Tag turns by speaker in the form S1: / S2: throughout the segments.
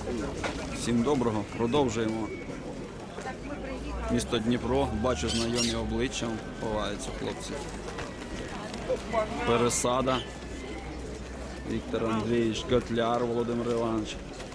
S1: Всім доброго, продовжуємо. Місто Дніпро, бачу знайомі обличчя, ховаються хлопці. Пересада. Віктор Андрійович, Котляр Володимир Іванович.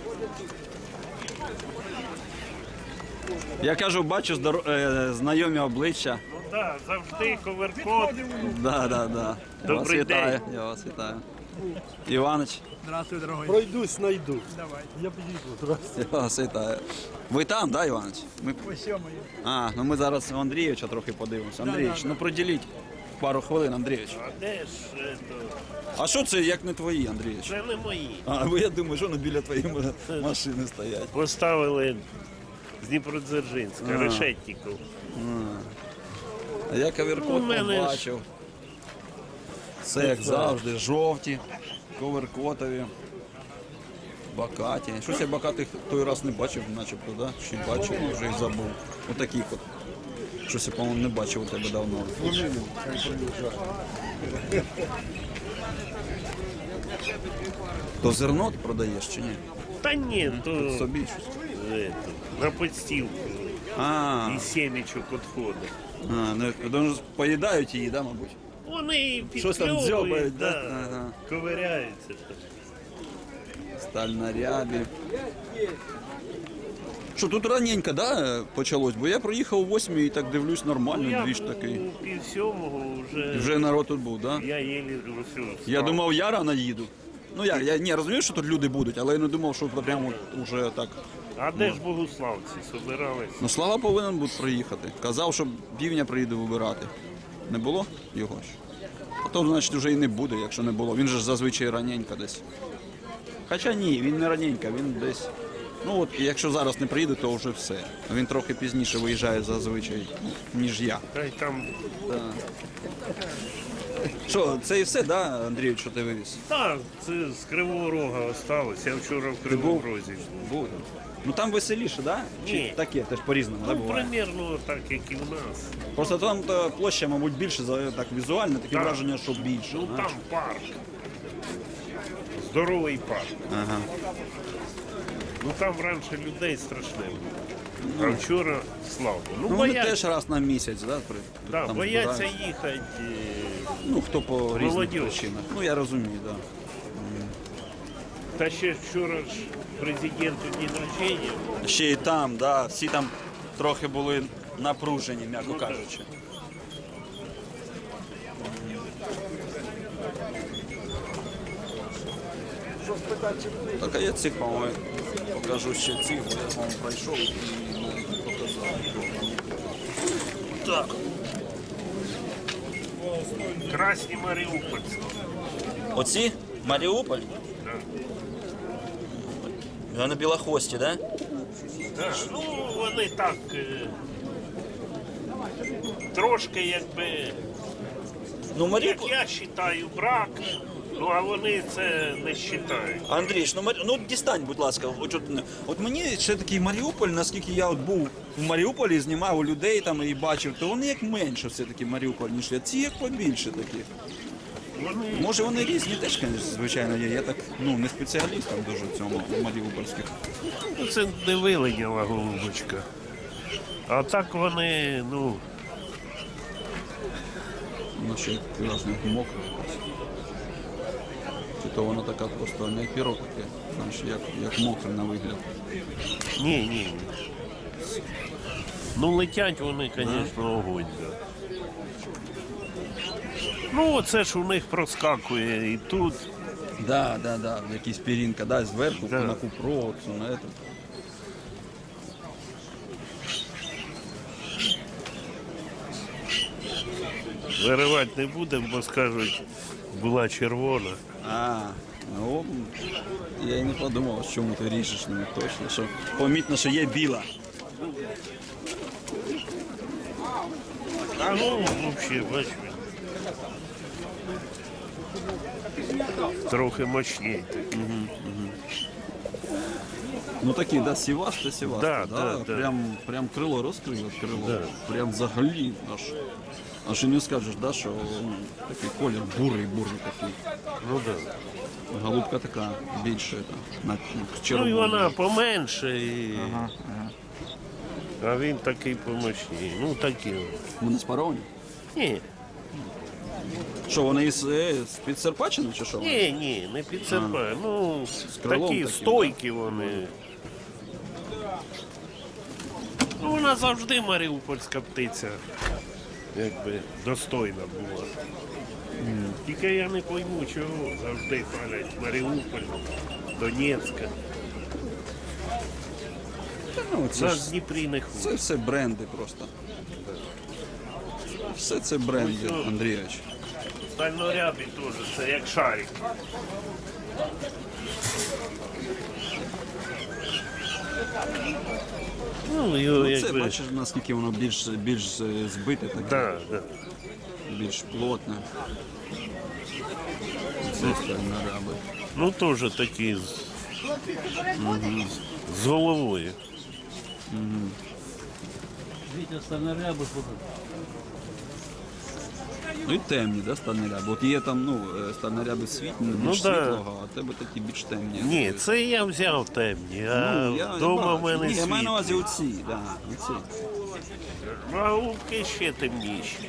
S1: Я кажу, бачу знайомі обличчя.
S2: Ну так, завжди коверкот.
S1: Да.
S2: Добрий день.
S1: Я вас вітаю. Іванич.
S3: Здравствуй, дорогой.
S4: Пройдусь, найду.
S3: Давай.
S4: Я підійду. Здравствуйте.
S1: Я вас вітаю. Ви там, да, Іванич?
S3: Ось моє.
S1: Ну ми зараз у Андрійовича трохи подивимося. Андрійович, ну приділіть пару хвилин, Андрійович.
S2: А де ж це?
S1: А що це, як не твої, Андрійович?
S2: Це не мої.
S1: Бо я думаю, що вони біля твоєї машини стоять.
S2: Поставили з Дніпродзержинська, Решетніков.
S1: А я каверкот
S2: У мене ж-
S1: побачив. Все як завжди, жовті, коверкотові, бакаті. Щось я бакатих той раз не бачив, начебто, да? Чи бачив, вже їх забув. Отаких от. Щось я, по-моєму, не бачив у тебе давно. То зерно ти продаєш чи ні?
S2: Та ні, то
S1: Собі щось.
S2: на підстілку і сімечок відходить.
S1: Ну, поїдають її, да, мабуть?
S2: Вони
S1: Щось там дзьобають,
S2: підкльовують,
S1: да?
S2: да,
S1: Ага.
S2: ковиряються.
S1: Сталь на рябі. Що, тут раненько, да, почалось? Бо я проїхав о 8 і так дивлюсь, нормально, двіж такий.
S2: у пів-сьомого вже,
S1: Вже народ тут був, да?
S2: я єлі встав.
S1: Я думав, я рано їду. Ну як, я не розумію, що тут люди будуть, але я не думав, що прямо вже так.
S2: А де ж богославці собирались?
S1: Ну, Слава повинен був приїхати. Казав, що півня приїде вибирати. Не було його ж? А то, значить, вже і не буде, якщо не було. Він же ж зазвичай раненько десь. Хоча ні, він не раненько, він десь. Ну от, якщо зараз не приїде, то вже все. Він трохи пізніше виїжджає зазвичай, ніж я.
S2: Та й там,
S1: Що, це і все, да, Андрію, що ти вивіз?
S2: так, це з Кривого Рога осталось. Я вчора в Кривому Розі був.
S1: Буде. Ну там веселіше, да? Чи
S2: Ні.
S1: таке, теж по-різному, да,
S2: Ну,
S1: буває?
S2: примірно так, як і в нас.
S1: Просто там то площа, мабуть, більше, так візуально, таке
S2: Так.
S1: враження, що більше.
S2: Ну
S1: знаєш.
S2: там парк. Здоровий парк.
S1: Ага.
S2: Ну там раніше людей страшне було. А вчора слава. Ну,
S1: Ну вони
S2: бояться,
S1: теж раз на місяць, да?
S2: да,
S1: там
S2: бояться
S1: збирають.
S2: їхати.
S1: Ну, хто по різним
S2: Молодіж.
S1: причинам. Ну, я розумію, так. Да.
S2: Та ще вчора ж президенту день рождения.
S1: Ще і там, да, всі там трохи були напружені, м'яко
S2: Ну, так.
S1: кажучи. Так, а я цих, по-моєму, покажу ще цих, бо я, по-моєму, пройшов і не показав. Так.
S2: Красні Маріупольці.
S1: Оці? Маріуполь? Вони білохвості, так? Да?
S2: Да, ну вони так трошки якби,
S1: Ну,
S2: як
S1: Маріуполь...
S2: я вважаю, брак, ну а вони це не вважають.
S1: Андрійович, ну дістань, будь ласка. От мені ще такий Маріуполь, наскільки я от був в Маріуполі, знімав у людей там і бачив, то вони як менше все-таки Маріуполь, ніж я. Ці як побільше такі.
S2: Вони
S1: Може вони різні теж, звичайно, є. Я так, ну, не спеціаліст там дуже в цьому маріупольських.
S2: ну, це не вилиняла голубочка. А так вони, ну,
S1: Ну, ще власне мокро. Чи то вона така просто не як пірог таке, знаєш, як мокре на вигляд.
S2: ні. Ну летять вони, звісно, огонь. Да. Ну, оце ж у них проскакує і тут.
S1: Да, якісь пірінка, да, зверху,
S2: Да.
S1: на купровод, на это.
S2: Виривати не будемо, бо скажуть, була червона.
S1: Ну, я і не подумав, чому ти ріжеш ними точно, що помітно, що є біла.
S2: А ну, взагалі, бачиш. Трохи мощніше.
S1: Ну такі, да, сіваш та сіваш.
S2: Да.
S1: Прям крило розкрило,
S2: Да.
S1: прям взагалі аж і не скажеш, да, що такий колір бурий такий.
S2: Ну так. Да.
S1: Голубка така більша, на
S2: Ну і
S1: червону.
S2: вона поменше,
S1: Ага.
S2: а він такий помощний. Ну такі.
S1: Вони спаровані?
S2: Ні,
S1: Що, вони з-під Серпачини чи що?
S2: ні, не підсипає. Ну,
S1: крилом
S2: такі
S1: таким,
S2: стойкі вони. Ну, вона завжди маріупольська птиця, якби достойна була. Тільки я не пойму, чого завжди палять Маріуполь, Донецька.
S1: Ну, це,
S2: Нас
S1: ж,
S2: в Дніпрі не
S1: це
S2: ходить.
S1: все бренди просто. Все це бренди,
S2: Ось,
S1: Андрійович.
S2: Стальнорябі теж, це як шарик. Ну, його
S1: Ну, це
S2: якби...
S1: бачиш, наскільки воно більш збите, таке,
S2: Да, да.
S1: більш плотне. Це стальноряби.
S2: Ну, теж такі з головою.
S4: Вітя стальноряби ходить.
S1: Ну і темні, да, стальноряби. От є там, стальноряби світлі, більш
S2: да.
S1: світлого, а в тебе такі більш темні.
S2: Ні, це я взяв темні, а
S1: Я
S2: вдома в
S1: бачу.
S2: мене
S1: Ні, я маю на увазі
S2: світлі.
S1: оці, да, оці.
S2: А голубки ще темніші.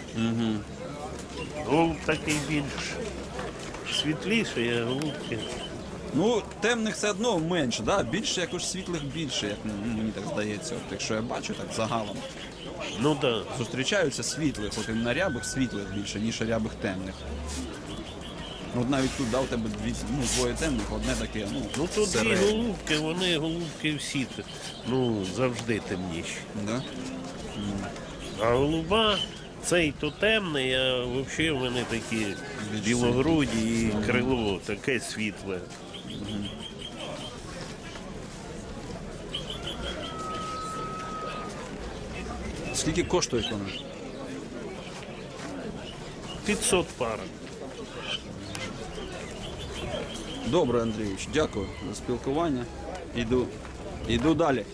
S2: Голуб такий більш світліший, а голубки.
S1: Ну, темних все одно менше, да? Більше якось світлих більше, як мені так здається. От, якщо я бачу так загалом.
S2: Ну так. Да.
S1: Зустрічаються світлих, от на рябих світлих більше, ніж рябих темних. Ну, от навіть тут, да, у тебе двоє темних, одне таке,
S2: Ну тут дві
S1: середнє.
S2: голубки, вони голубки всі завжди темніші.
S1: Да?
S2: А голуба, цей то темний, а взагалі в мене такі білогруді і крило таке світле.
S1: Скільки коштують вони?
S2: 500 пар.
S1: Добре, Андрійович, дякую за спілкування. Іду далі.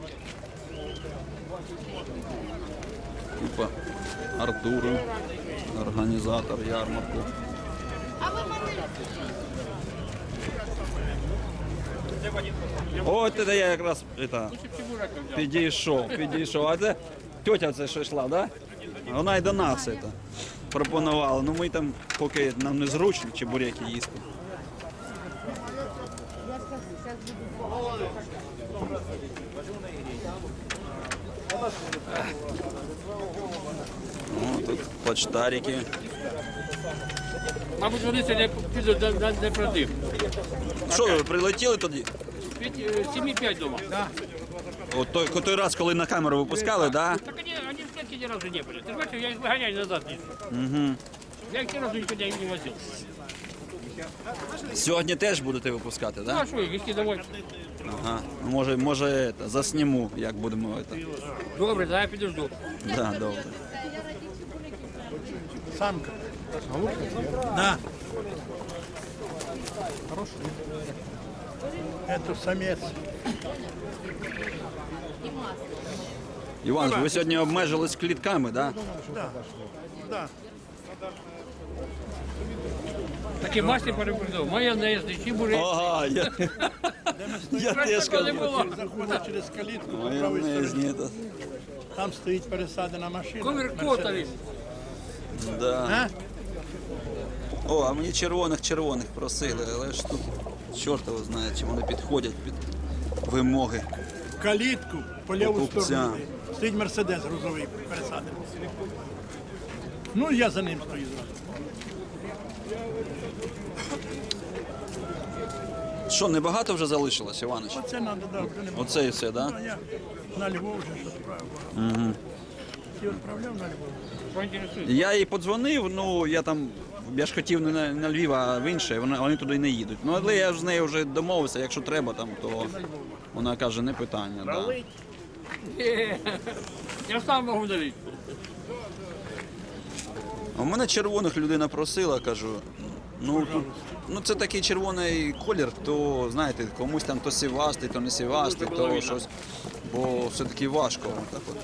S1: Купа Артуру, організатор ярмарку. От це я якраз підійшов. А це тетя це що йшла, да? Вона й до нас це пропонувала. Ну ми там, поки нам не зручно чебуреки їсти. О, тут почтарики.
S5: Мабуть, вони сьогодні підуть не продив.
S1: Що, ви прилетіли тоді?
S5: 7,5 дома. Да.
S1: От той раз, коли на камеру випускали, да?
S5: Так они в клетке ни разу не были. Ты знаешь, я их выгоняю назад. Угу. Я их ни разу никуда не возил.
S1: Сьогодні теж будете випускати,
S5: Ну
S1: да?
S5: а что, их везти домой?
S1: Ага. Ну, може засніму, як будемо це.
S5: Добре, да, я підожду.
S1: Да, добре.
S3: Самка. Да. Это самец.
S1: Іван, ви сьогодні обмежились клітками, да?
S3: Да.
S5: Такі масті перепридав. Майонезний, чебурек.
S1: Ага, я теж
S5: не
S1: кажу.
S5: було.
S3: Заходить через калітку по правій
S1: Майонезні,
S3: стороні.
S1: это,
S3: Там стоїть пересадена машина.
S5: Коверкотові.
S1: да.
S3: А?
S1: О, а мені червоних просили, але ж тут чорт його знає, чи вони підходять під вимоги.
S3: В калітку по ліву
S1: Покупця.
S3: сторону. Стоїть Мерседес грузовий пересадений. Ну, я за ним стою зразу.
S1: Що, небагато вже залишилось, Іванич?
S3: Оце треба, да, вже не було.
S1: Оце і все, да?
S3: А я на Львов вже щось відправив. Ти відправляв на Львов?
S5: Що інтересує?
S1: Я їй подзвонив, ну я ж хотів не на Львів, а в інше, вони туди не їдуть. Ну, але я ж з нею вже домовився, якщо треба там, то вона каже, не питання. Да.
S2: Налить.
S5: Я сам можу дарити.
S1: А в мене червоних людина просила, кажу, ну це такий червоний колір, то знаєте, комусь там то сівастий, то не сівастий, то щось, бо все-таки важко. Так от.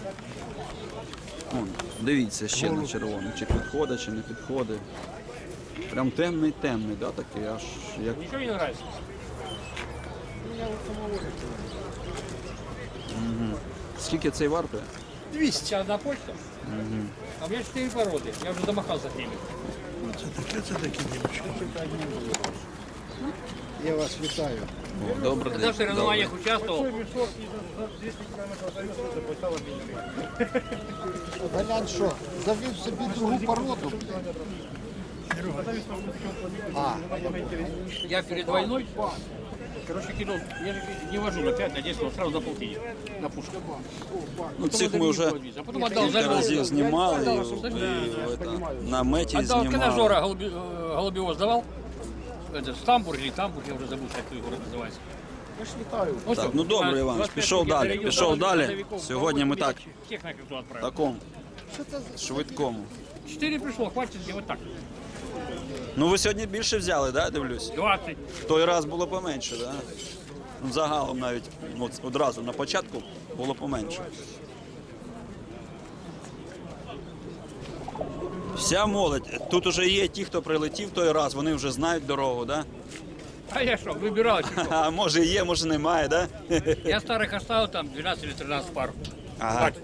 S1: Вон, дивіться ще на червоний, чи підходить, чи не підходить. Прям темний, да, такий, аж як.
S5: Ничего не нравится?
S1: Скільки цей вартує?
S3: 200.
S5: Сейчас одна почта. А у меня 4 породы. Я уже замахался с ними.
S3: Це такі дівчатки.
S6: Я вас вітаю.
S1: О, добрий
S5: Когда в
S1: день.
S5: соревнованиях участвовал,
S6: Колян що, завів собі другу породу?
S5: я перед войной, короче, кинул, я же не вожу на 5, на 10, вот сразу на полтинник, на пушку.
S1: Ну, цих ми вже
S5: А потом отдал за
S1: кілька разів знімали,
S5: Отдал,
S1: і
S5: чтобы
S1: на меті
S5: отдал, когда
S1: знімали.
S5: Жора Голубева сдавал, это Стамбур или Тамбур, я уже забыл, как город называется. Ну,
S1: Так, ну добре, Іванович, пішов далі. Сьогодні ми так,
S5: Всех на карту отправил.
S1: такому, швидкому.
S5: 4 пришло, хватит сделать так.
S1: Ну ви сьогодні більше взяли, да, дивлюсь?
S5: 20.
S1: В той раз було поменше, да? Ну, загалом навіть от, одразу на початку було поменше. Вся молодь. Тут уже є ті, хто прилетів той раз, вони вже знають дорогу, да?
S5: А я что, выбирал.
S1: А може є, може немає, да?
S5: Я старых оставил там 12 или 13 пар.
S1: Ага.
S5: Хватит.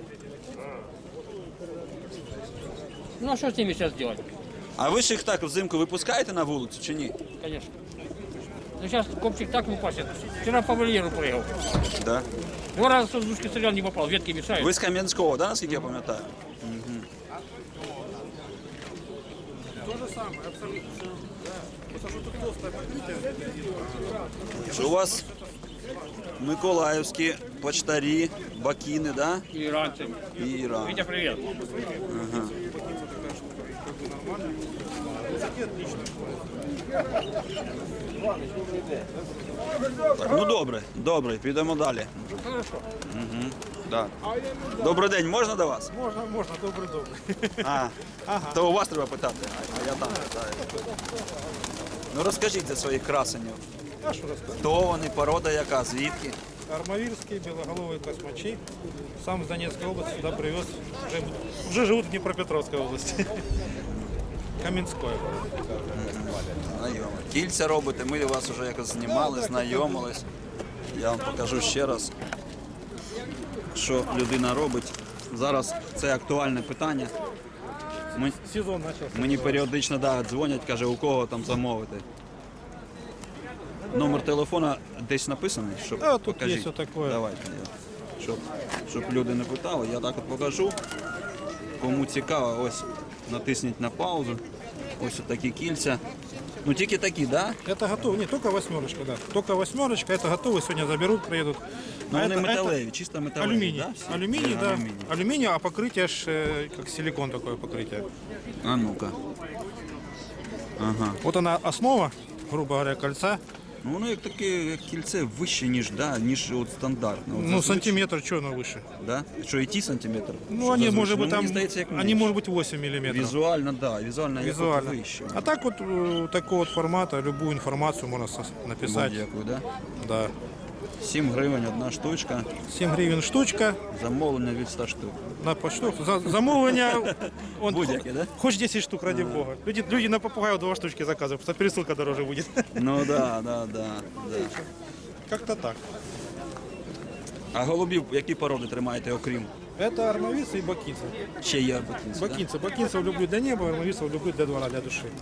S5: Ну а что с ними сейчас делать?
S1: А ви ж їх так взимку випускаєте на вулицю чи ні?
S5: Конечно. Ну сейчас копчик так выпасет. Вчера по вольеру прыгал.
S1: Да.
S5: 2 раза с воздушки стрелял, не попал, ветки мешают.
S1: Ви з Кам'янського, да, наскільки я пам'ятаю? Що у вас миколаївські почтарі, бакіни, да?
S5: И иранцами.
S1: І Іран.
S5: Витя, привет.
S1: Так, ну добре, підемо далі.
S5: Хорошо.
S1: Да. Добрий день, можна до вас?
S3: Можна, добре.
S1: А, то у вас треба питати, а я там питаю. Ну розкажіть за своїх красенів.
S7: А що розказати?
S1: Хто вони, порода яка, звідки?
S7: Армавирские, белоголовые космачи. Сам с Донецкой области сюда привез. Уже живут в Днепропетровской области. Каменской.
S1: Знайомо. Кільця робите, ми вас вже якось знімали, знайомились. Я вам покажу ще раз, що людина робить. Зараз це актуальне питання.
S7: Сезон начался.
S1: Мені періодично дзвонять, каже, у кого там замовити. Номер телефона десь написаний, щоб
S7: А, тут
S1: покажіть.
S7: є отаке.
S1: Давайте, щоб люди не питали, я так от покажу. Кому цікаво, ось натисніть на паузу. Ось такі кільця. Ну тільки такі, так? Да?
S7: Это готово. Не, только восьмерочка, да. Только восьмерочка, это готово. Сегодня заберут, приедут.
S1: Ну
S7: А
S1: вони
S7: это-
S1: металеві, чисто металеві.
S7: Алюминий.
S1: Да? всі?
S7: Алюминий, да.
S1: Алюміній.
S7: Алюминий, а покрытие ж как силикон такое покрытие.
S1: А ну-ка. Ага.
S7: Вот она основа, грубо говоря, кольца.
S1: Ну воно як таке, як кільце вище, ніж от стандартне. От
S7: Ну,
S1: зазвичай-
S7: сантиметр, что оно выше?
S1: Да? Що, і ті сантиметр?
S7: Ну,
S1: Що
S7: они,
S1: зазвичай?
S7: может быть,
S1: Ну,
S7: там,
S1: мені здається, як
S7: они,
S1: менше.
S7: может быть, 8 миллиметров.
S1: Візуально, да, візуально, як от
S7: Визуально.
S1: вище.
S7: А так вот такого вот формата, любую информацию можно написать.
S1: Будь-яку, да?
S7: Да.
S1: 7 гривень одна штучка,
S7: 7 гривен штучка
S1: замовлення від 100 штук.
S7: на почту. Замовлення.
S1: Будь-яке, да?
S7: Хоч 10 штук, ради бога. Люди на попугаю 2 штучки заказывают, потому что пересылка дороже будет.
S1: Ну да.
S7: Как-то так.
S1: А голубів які породи тримаєте, окрім?
S7: Это армавицы и бакинцы.
S1: Ще є бакінці, да?
S7: Бакинцы. Бакинцев люблю для неба, армавицев люблю для двора, для души.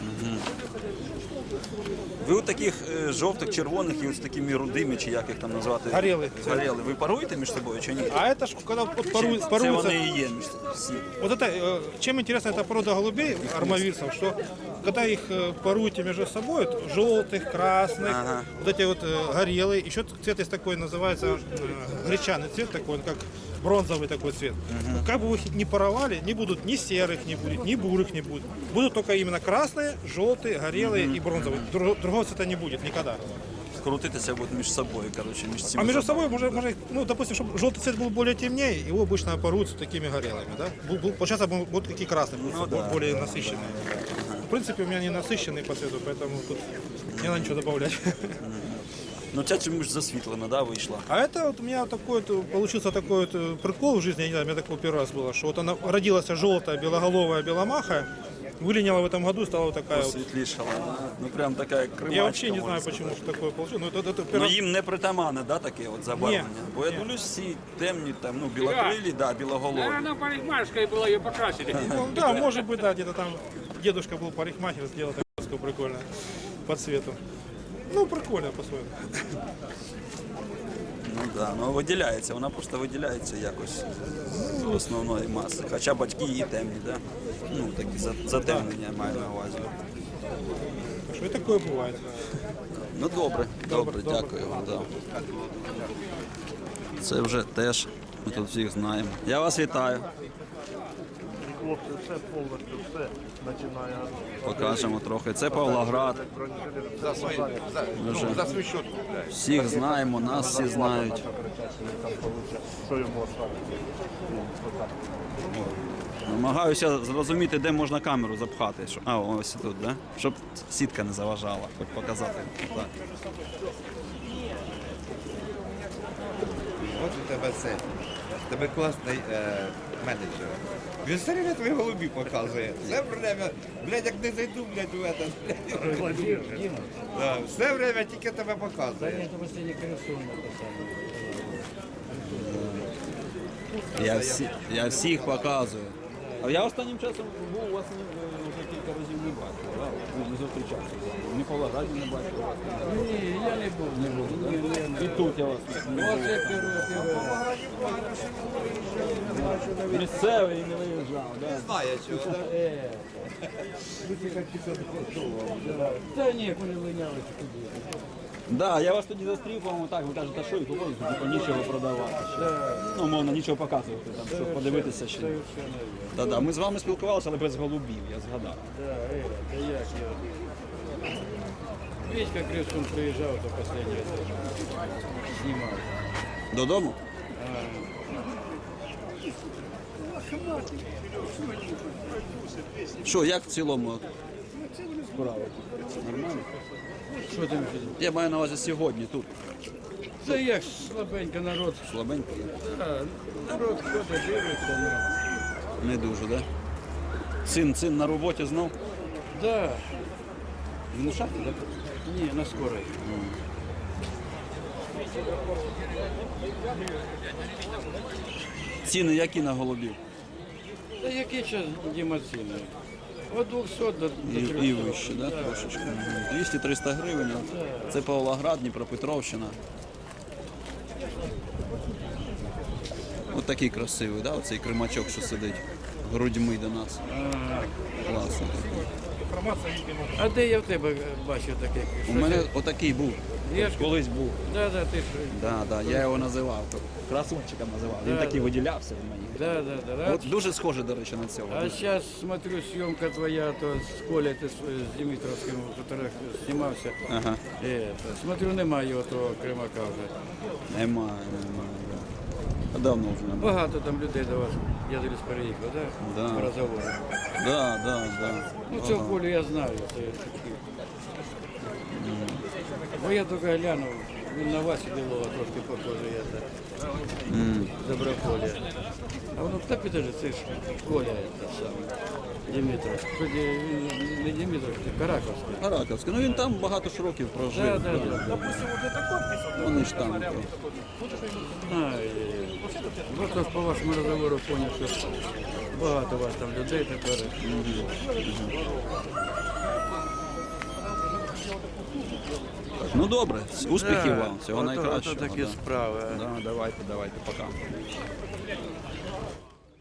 S1: Ви у таких жовтих, червоних і ось такими рудими, чи як їх там назвати?
S7: Горели.
S1: Горели. Ви паруєте між собою чи ні?
S7: А это ж, когда вот
S1: Це
S7: паруются...
S1: вони і є між всі.
S7: Вот это, чем интересна эта порода голубей, армавирцев, что когда их паруете между собой, вот, желтых, красных,
S1: Ага.
S7: вот эти вот горелые, еще цвет есть такой, называется гречаный цвет такой, он как бронзовый такой цвет. Как бы вы их ни паровали, не будут ни серых, не будет, ни бурых не будет. Будут только именно красные, желтые, горелые и бронзовые. Другого цвета не будет никогда.
S1: Крутитися будуть між собою, коротше, між цими.
S7: А между собой, может, ну, допустим, чтобы желтый цвет был более темнее, его обычно паруют такими горелыми, да? Получается, будут такие красные,
S1: Ну да.
S7: более насыщенные. В принципе, у меня не насыщенный по цвету, поэтому тут не надо ничего добавлять.
S1: Ну ця чомусь засвітлена, да, вийшла.
S7: А это вот у меня такой вот, получился такой вот прикол в жизни, я не знаю, у меня такое первый раз было, что вот она родилась желтая, белоголовая, беломаха, Вылиняла в этом году, стала вот такая вот.
S1: Посвітлішала. Ну прям така як кримачка.
S7: Я вообще не
S1: можна
S7: знаю,
S1: сказати.
S7: почему что такое получилось. Но это
S1: Ну їм не притаманне, да, таке от забарвлення? Бо я дивлюсь, всі темні, там, ну, білокрилі, да, білоголові.
S5: Она парикмахерская была, ее покрасили.
S7: Ну, да, может быть, да, где-то там дедушка был парикмахер, сделал такую прикольную по цвету. Ну, прикольно по-своему.
S1: Ну да, ну виділяється, вона просто виділяється якось з основної маси. Хоча батьки її темні, да? Ну, такі затемнення я маю на увазі.
S7: Так что и такое бывает.
S1: Ну добре, добре, дякую вам. Да. Це вже теж ми тут всіх знаємо. Я вас вітаю.
S8: Хлопці, все повністю, все починає.
S1: Покажемо трохи. Це Павлоград. Ми вже
S6: За свій счет.
S1: всіх знаємо, нас всі знають.
S8: Що йому оставити?
S1: Намагаюся зрозуміти, де можна камеру запхати. А, ось тут, да? Щоб сітка не заважала, хоч показати. Так.
S9: От у тебе це. У тебе класний менеджер. Він все время твої голубі показує. Все время, блядь, як не зайду, блядь, у этот, блядь. Да, все время тільки тебе показує.
S1: Я всіх показую. А я останнім часом був у вас вже кілька разів не бачив, да? Не зустрічався. Ні по Лаграді не бачив.
S4: Ні, я не був.
S1: Не було, да? І тут я вас не
S4: Оце перший раз.
S1: місцевий і не виїжджав, да?
S9: Знає чого, так?
S4: Та ні, вони линялися туди.
S1: Да, я вас тоді застрів, по-моєму, так, ви кажете, а що і тут типу, нічого продавати ще. Ну, мовно, нічого показувати, там, щоб подивитися ще. Да, ми з вами спілкувалися, але без голубів, я згадав.
S4: Та як я. Вітька Кривцун приїжджав, то останній раз знімав.
S1: Додому? Що, як в цілому справа? Нормально?
S4: Що там?
S1: Я маю на увазі сьогодні тут.
S4: Та як слабенько народ.
S1: Слабенько.
S4: А, народ ходить, дивиться.
S1: Не дуже, да? Син на роботі знов?
S4: Да.
S1: Він у шахті, так?
S4: Ні, на скорой.
S1: Ціни які на голубів?
S4: Та які час дімаційні? От 200 до 300.
S1: І вище, да? Трошечки. 200-300 гривень. Це Павлоград, Дніпропетровщина. Ось такий красивий, да? Оцей кримачок, що сидить грудьми до нас. Класно.
S7: Информация, видимо.
S4: А де я в тебе бачив таких?
S1: У мене отакий був.
S4: Є ж?
S1: Колись був.
S4: Да, ти ж.
S1: Да, я його називав. Красунчиком називав. Він такий виділявся в мені.
S4: Да.
S1: От дуже схоже, до речі, на цього.
S4: А сейчас смотрю, съемка твоя, то с Колей ты с Димитровским, который снимался.
S1: Ага.
S4: Смотрю, немає його того Кримака вже.
S1: Немає. А давно вже немає.
S4: Багато там людей до вас, я десь переїхав, да?
S1: Да.
S4: По розговору.
S1: Да.
S4: Ну, цього Колю я знаю. Це такий. Бо я тільки глянув, він на Васі Білова трошки похожий, я так. Доброполя. А воно так підожди, це ж Коля це саме. Димитров. Хоч він не Димитров, це Караковський.
S1: Раковський. Ну він там багато ж років прожив.
S4: Да.
S1: Вони ж там.
S4: Ну, то ж по вашому розговору поняв, що багато у вас там людей тепер.
S1: Ну добре, успіхів вам, всього найкращого.
S4: Ото такі
S1: да.
S4: справи.
S1: Да, давайте, пока.